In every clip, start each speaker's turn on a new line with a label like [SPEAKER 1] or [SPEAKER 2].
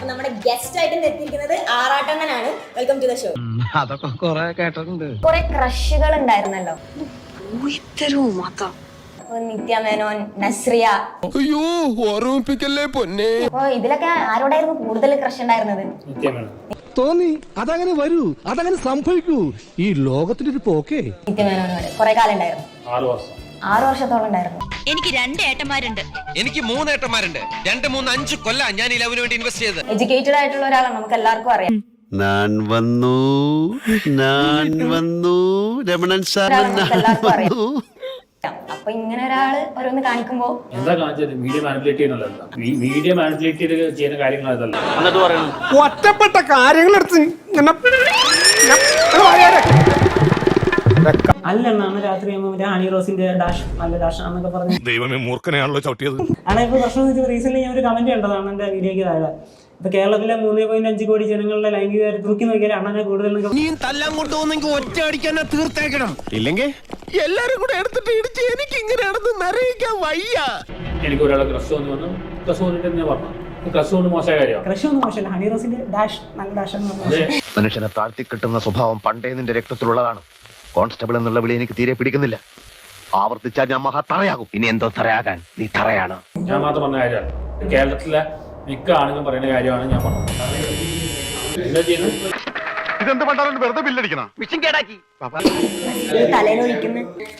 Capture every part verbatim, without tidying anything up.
[SPEAKER 1] അപ്പൊ നമ്മുടെ ഗസ്റ്റ് ആയിട്ട് എത്തിയിരിക്കുന്നത് ആറാട്ടണ്ണനാണ്. Welcome to the show.
[SPEAKER 2] അതൊക്കെ കുറെ കേട്ടിട്ടുണ്ട്.
[SPEAKER 1] കുറെ ക്രഷുകൾ ഉണ്ടായിരുന്നല്ലോ. നിത്യ മേനോൻ, നസ്രിയ.
[SPEAKER 3] അയ്യോ ഓർമ്മിപ്പിക്കല്ലേ പൊന്നെ.
[SPEAKER 1] അപ്പൊ ഇതിലൊക്കെ ആരോടായിരുന്നു കൂടുതൽ ക്രഷ് ഉണ്ടായിരുന്നത്?
[SPEAKER 4] തോന്നി അതങ്ങനെ വരൂ, അതങ്ങനെ സംഭവിക്കൂ. ഈ ലോകത്തിന്റെ ഒരു പോക്കേ.
[SPEAKER 1] നിത്യ മേനോനോട് കുറെ കാലം ഉണ്ടായിരുന്നു.
[SPEAKER 5] ആറ് വർഷം
[SPEAKER 1] ആറു വർഷത്തോളം ഉണ്ടായിരുന്നു.
[SPEAKER 6] എനിക്ക് രണ്ട് ഏട്ടന്മാരുണ്ട്.
[SPEAKER 3] എനിക്ക് മൂന്ന് ഏട്ടന്മാരുണ്ട്. രണ്ട് മൂന്ന് അഞ്ച് കൊല്ല ഞാൻ ഈ ലവിന് വേണ്ടി ഇൻവെസ്റ്റ് ചെയ്തത്.
[SPEAKER 1] എഡ്യൂക്കേറ്റഡ് ആയിട്ടുള്ള ഒരാളാണ്, നമുക്ക് എല്ലാവർക്കും അറിയാം.
[SPEAKER 7] ഞാൻ വന്നു ഞാൻ വന്നു രമണൻ സാർ
[SPEAKER 1] എല്ലാവർക്കും അറിയാം. അപ്പൊ ഇങ്ങനെ ഒരാള് ഓരോന്ന് കാണിക്കുമ്പോ
[SPEAKER 5] എന്താ കാണിച്ചത്? മീഡിയ മാനിപ്പുലേറ്റ് ചെയ്യുന്നതല്ല, മീഡിയ മാനിപ്പുലേറ്റ് ചെയ്ത് ചെയ്യുന്ന കാര്യങ്ങൾ അതല്ല. എന്നിട്ട് പറയുന്നത്
[SPEAKER 4] ഒറ്റപ്പെട്ട കാര്യങ്ങൾ എടുത്ത്
[SPEAKER 8] അല്ലെന്നാണ് രാത്രി മറ്റേ ഹണി റോസിന്റെ ഡാഷ് നല്ല ഡാഷ് ആണെന്നൊക്കെ പറഞ്ഞു.
[SPEAKER 3] ദൈവമേ മൂർഖനെയാണല്ലോ ചവിട്ടിയത്.
[SPEAKER 8] ആണ് ഇപ്പൊ പ്രശ്നം വെച്ചാൽ റീസെന്റ് ഞാൻ ഒരു കമന്റ് കണ്ടതാണ് എന്റെ വീഡിയോക്ക് താഴെ. ഇപ്പൊ കേരളത്തിലെ മൂന്നേ പോയിന്റ് അഞ്ച് കോടി ജനങ്ങളുടെ ലൈംഗിക തൂക്കി നോക്കിയാൽ അണ്ണനെ കൂടുതൽ
[SPEAKER 3] നീ തല്ലാൻ കൊണ്ടുപോകുന്നെങ്കിൽ ഒറ്റ അടിക്കാൻ തീർത്തേക്കണം. ഇല്ലെങ്കിൽ എല്ലാരും കൂടെ എടുത്തിട്ട് ഇടിച്ച് എനിക്ക് ഇങ്ങനെ നടന്ന് നരയിക്കാൻ വയ്യ.
[SPEAKER 5] എനിക്ക് ഒരാളെ ക്രഷ് തോന്നി വന്നു. ക്രഷ് തോന്നിട്ട് ഞാൻ പറഞ്ഞു ക്രഷ് കൊണ്ട് മോശമായ കാര്യമാണ്.
[SPEAKER 8] ക്രഷ് ഒന്നും മോശമല്ല. ഹണി റോസിന്റെ ഡാഷ് നല്ല ഡാഷ് എന്ന്
[SPEAKER 2] മനുഷ്യനെ താഴ്ത്തി കിട്ടുന്ന സ്വഭാവം പണ്ടേ നിന്റെ രക്തത്തിലുള്ളതാണ്. കോൺസ്റ്റബിൾ എന്നുള്ള വിളി എനിക്ക് തീരെ പിടിക്കുന്നില്ല. ആവർത്തിച്ചാൽ ഞാൻ മഹാ തറയാകും. ഇനി എന്തോ തറയാകാൻ നീ തറയാണ്.
[SPEAKER 5] ഞാൻ മാത്രം പറഞ്ഞ കാര്യമാണ്. കേരളത്തിലെ മിക്ക ആണെങ്കിലും പറയുന്ന കാര്യമാണ് ഞാൻ പറഞ്ഞത്. എന്താ ചെയ്യുന്നത്?
[SPEAKER 7] ഇതെന്ത് പണ്ടാലും വെറുതെ ബില്ലടിക്കണം.
[SPEAKER 2] മിഷൻ കേടാക്കി
[SPEAKER 1] തലയിലൊഴിക്കുന്നു.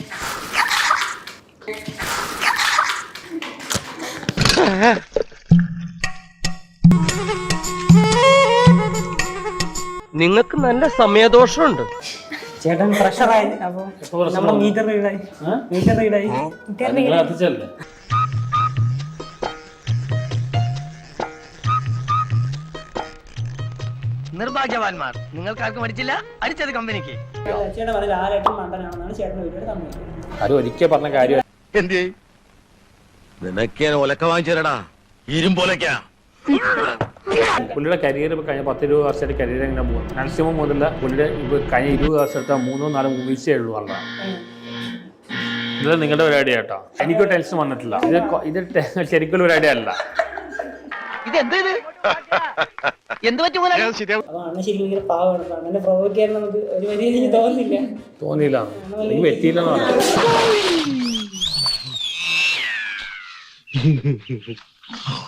[SPEAKER 2] നിങ്ങൾക്ക് നല്ല സമയദോഷമുണ്ട്.
[SPEAKER 8] ചേട്ടൻ പ്രഷറായി. അപ്പൊ നമ്മുടെ മീറ്റർ റീഡായി മീറ്റർ റീഡായി
[SPEAKER 5] നിങ്ങൾ കത്തിച്ചല്ലേ?
[SPEAKER 2] നിർഭാഗ്യവാന്മാർ, നിങ്ങൾക്കാർക്കും മരിച്ചില്ല. അടിച്ചത് കമ്പനിക്ക്.
[SPEAKER 8] ചേട്ടൻ പറഞ്ഞ ആരായിട്ടും മണ്ടനാണെന്നാണ് ചേട്ടൻ്റെ വീഡിയോയുടെ കമ്പനി.
[SPEAKER 5] അത് ഒരിക്കൽ പറഞ്ഞ കാര്യം.
[SPEAKER 7] എന്തേ നിനക്ക് ഒലക്ക വാങ്ങിച്ചേരടാ, ഇരുമ്പോലക്കാ.
[SPEAKER 5] പുള്ളിയുടെ കരിയർ ഇപ്പോൾ കഴിഞ്ഞ പത്ത് ഇരുപത് വർഷത്തെ കരിയർ എങ്ങനെ പോകും? മാക്സിമം മുതലുള്ള പുള്ളിയുടെ ഇപ്പോൾ കഴിഞ്ഞ ഇരുപത് വർഷത്തെ മൂന്നോ നാലോ മൂവീസേ ഉള്ളൂ വളരെ. ഇത് നിങ്ങളുടെ ഒരു ഐഡിയ കേട്ടോ. എനിക്കൊരു ടെൻഷൻ വന്നിട്ടില്ല. ഇത് ഇത് ശരിക്കും ഒരു ഐഡിയ അല്ല.
[SPEAKER 8] അതാണ് ശരിക്കും ഭയങ്കര പാവമാണ്. അങ്ങനെ പ്രൊവോക്ക് ചെയ്യാൻ നമുക്ക് ഒരു വലിയ എനിക്ക് തോന്നുന്നില്ല.
[SPEAKER 5] തോന്നിയില്ല, എനിക്ക് പറ്റിയില്ലെന്നാണ്.